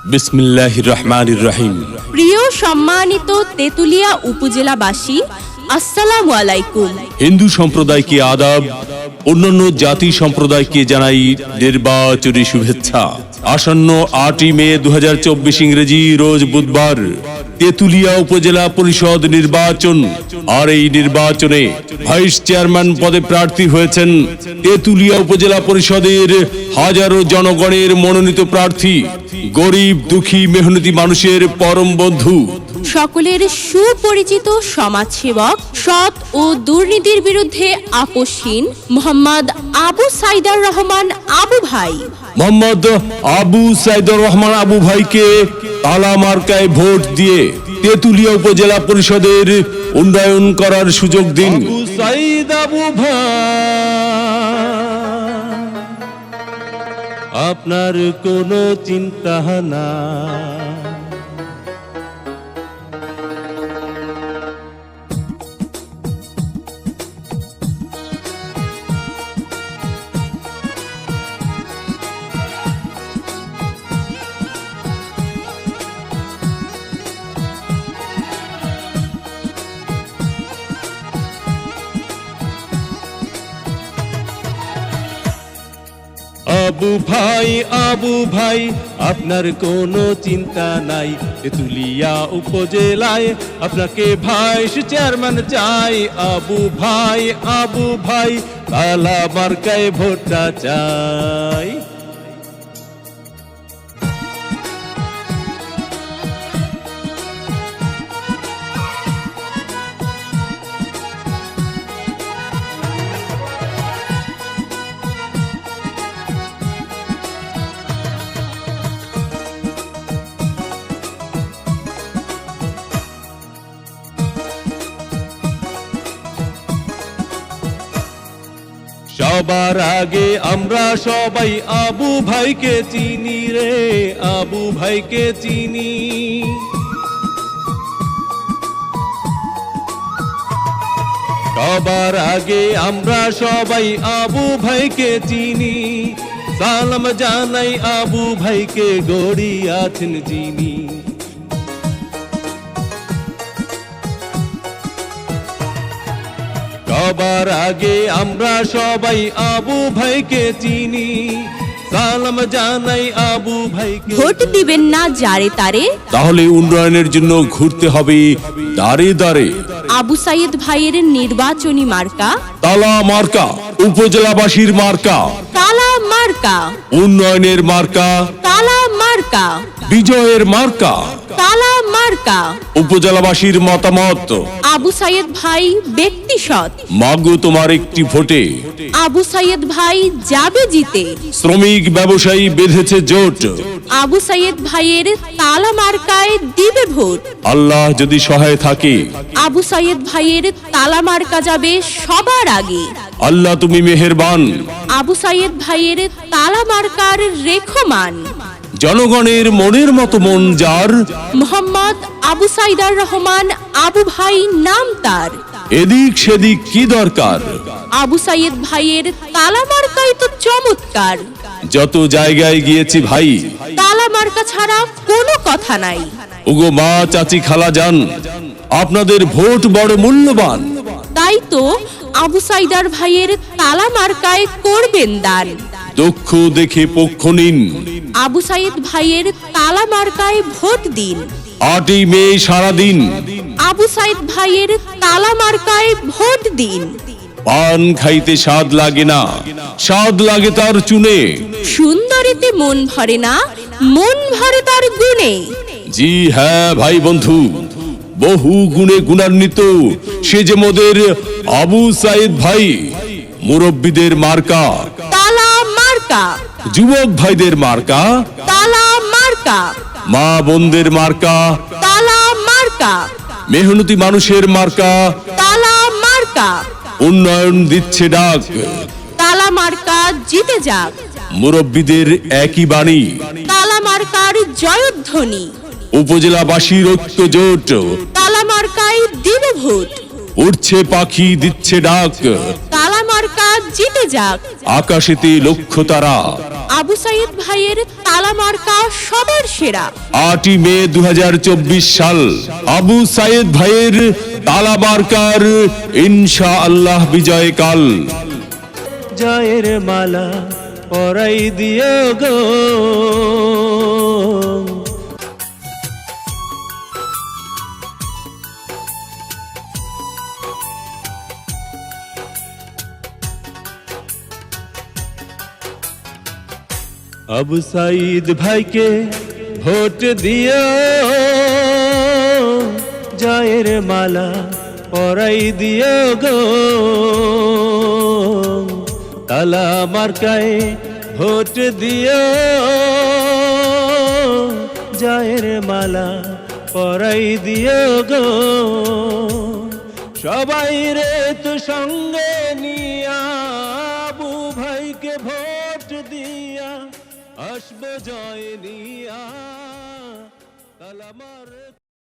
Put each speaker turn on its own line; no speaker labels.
বিসমিল্লাহির রহমানির রহিম।
প্রিয় সম্মানিত তেতুলিয়া উপজেলাবাসী, আসসালামু আলাইকুম।
হিন্দু সম্প্রদায়কে আদাব, অন্যান্য জাতি সম্প্রদায়কে জানাই নির্বাচনী শুভেচ্ছা। আসন্ন 8 মে 2024 ইংরেজি রোজ বুধবার তেতুলিয়া উপজেলা পরিষদ নির্বাচন। আর এই নির্বাচনে ভাইস চেয়ারম্যান পদে প্রার্থী হয়েছেন তেতুলিয়া উপজেলা পরিষদের হাজারো জনগণের মনোনীত প্রার্থী, গরিব দুঃখী মেহনতি মানুষের পরম বন্ধু,
সকলের সুপরিচিত সমাজসেবক, সৎ ও দুর্নীতির বিরুদ্ধে আপোষহীন মোহাম্মদ আবু সাইদার রহমান আবু ভাই।
মোহাম্মদ আবু সাইদুর রহমান আবু ভাইকে তালা মার্কায় ভোট দিয়ে তেতুলিয়া উপজেলা পরিষদের উন্নয়ন করার সুযোগ দিন। আবু সাইদ আবু ভাই, আপনার কোনো চিন্তা না। আবু ভাই আপনার কোনো চিন্তা নাই, তেতুলিয়া উপজেলায় আপনাকে ভাইস চেয়ারম্যান চাই। আবু ভাই তালা মার্কায় ভোটটা চাই। সবার আগে আমরা সবাই আবু ভাইকে চিনি রে, আবু ভাইকে চিনি। সবার আগে আমরা সবাই আবু ভাইকে চিনি। সালাম জানাই আবু ভাইকে, গড়িয়াছেন যিনি। সবার আগে আমরা সবাই আবু ভাইকে চিনি। সালাম জানাই আবু ভাইকে।
ভোট দিবেন না যারে তারে,
তাহলে উন্নয়নের জন্য ঘুরতে হবে দাঁড়ে দাঁড়ে।
আবু সাইদ ভাইয়ের নির্বাচনী মার্কা
তালা মার্কা, উপজেলাবাসীর মার্কা
তালা মার্কা,
উন্নয়নের মার্কা
তালা মার্কা,
বিজয়ের মার্কা
তালা মার্কা।
উপজেলাবাসীর মতামত,
আবু সাইদ ভাই ব্যক্তি সৎ,
মাগো তোমার একটি ভোটে
আবু সাইদ ভাই যাবে জিতে।
শ্রমিক ব্যবসায়ী বেঁধেছে জোট,
আবু সাইদ ভাইয়ের তালা মার্কায় দিবে ভোট।
আল্লাহ যদি সহায় থাকে,
আবু সাইদ ভাইয়ের তালা মার্কা যাবে সবার আগে।
আল্লাহ তুমি মেহেরবান।
আবু সাইদ ভাইয়ের তালা মার্কার রেখমান,
জনগণের মনের মতো মন যার,
মোহাম্মদ আবু সাইদার রহমান আবু ভাই নাম তার।
এদিক সেদিক কি দরকার,
আবু সাইদ ভাইয়ের তালা মার্কাই তো চমৎকার।
যত জায়গায় গিয়েছি ভাই,
তালা মার্কা ছাড়া কোনো কথা নাই।
ওগো মা চাচি খালা যান, আপনাদের ভোট বড় মূল্যবান।
তাই তো আবু সাইদার ভাইয়ের তালা মার্কায় করবেন দান।
দক্ষ দেখে পক্ষ নিন,
আবু সাইদ ভাইয়ের তালা মার্কায় ভোট দিন।
8 মে সারাদিন
আবু সাইদ ভাইয়ের তালা মার্কায় ভোট দিন।
পান খাইতে স্বাদ লাগে না, স্বাদ লাগে তার চুনে।
সুন্দরীতে মন ভরে না, মন ভরে তার গুণে।
জি হ্যাঁ ভাই বন্ধু, বহু গুণে গুণান্বিত সে যে মোদের আবু সাইদ ভাই। মুরব্বীদের মার্কা
তালা মার্কা,
যুবক ভাইদের মার্কা
তালা মার্কা,
মা বোনদের মার্কা
তালা মার্কা,
মেহনতি মানুষের মার্কা।
তালা মার্কা,
উন্নয়ন দিচ্ছে ডাক,
তালা মার্কা জিতে যাক।
মুরব্বীদের একই বাণী,
তালা মার্কার জয়ধ্বনি।
উপজেলাবাসীর ঐক্য জোট,
তালা মার্কায় দিবে ভোট।
উঠছে পাখি দিচ্ছে ডাক,
তালা মার্কা জিতে যাক।
আকাশেতে লক্ষ্য তারা,
আবু সাইদ ভাইয়ের তালা মার্কা সবার সেরা।
8ই মে 2024 সাল আবু সাইদ ভাইয়ের তালা মার্কার ইনশাআল্লাহ বিজয়কাল।
জয়ের মালা পরাই দিও গো, আবু সাইদ ভাইকে ভোট দিও, জয়ের মালা পরাই দিও গো, তালা মার্কায় ভোট দিও, জয়ের মালা পরাই দিও গো। সবাই রে তো সঙ্গে নিয়া আবু ভাইকে ভোট দিয়া আসবো জয় নিয়া, তালা মার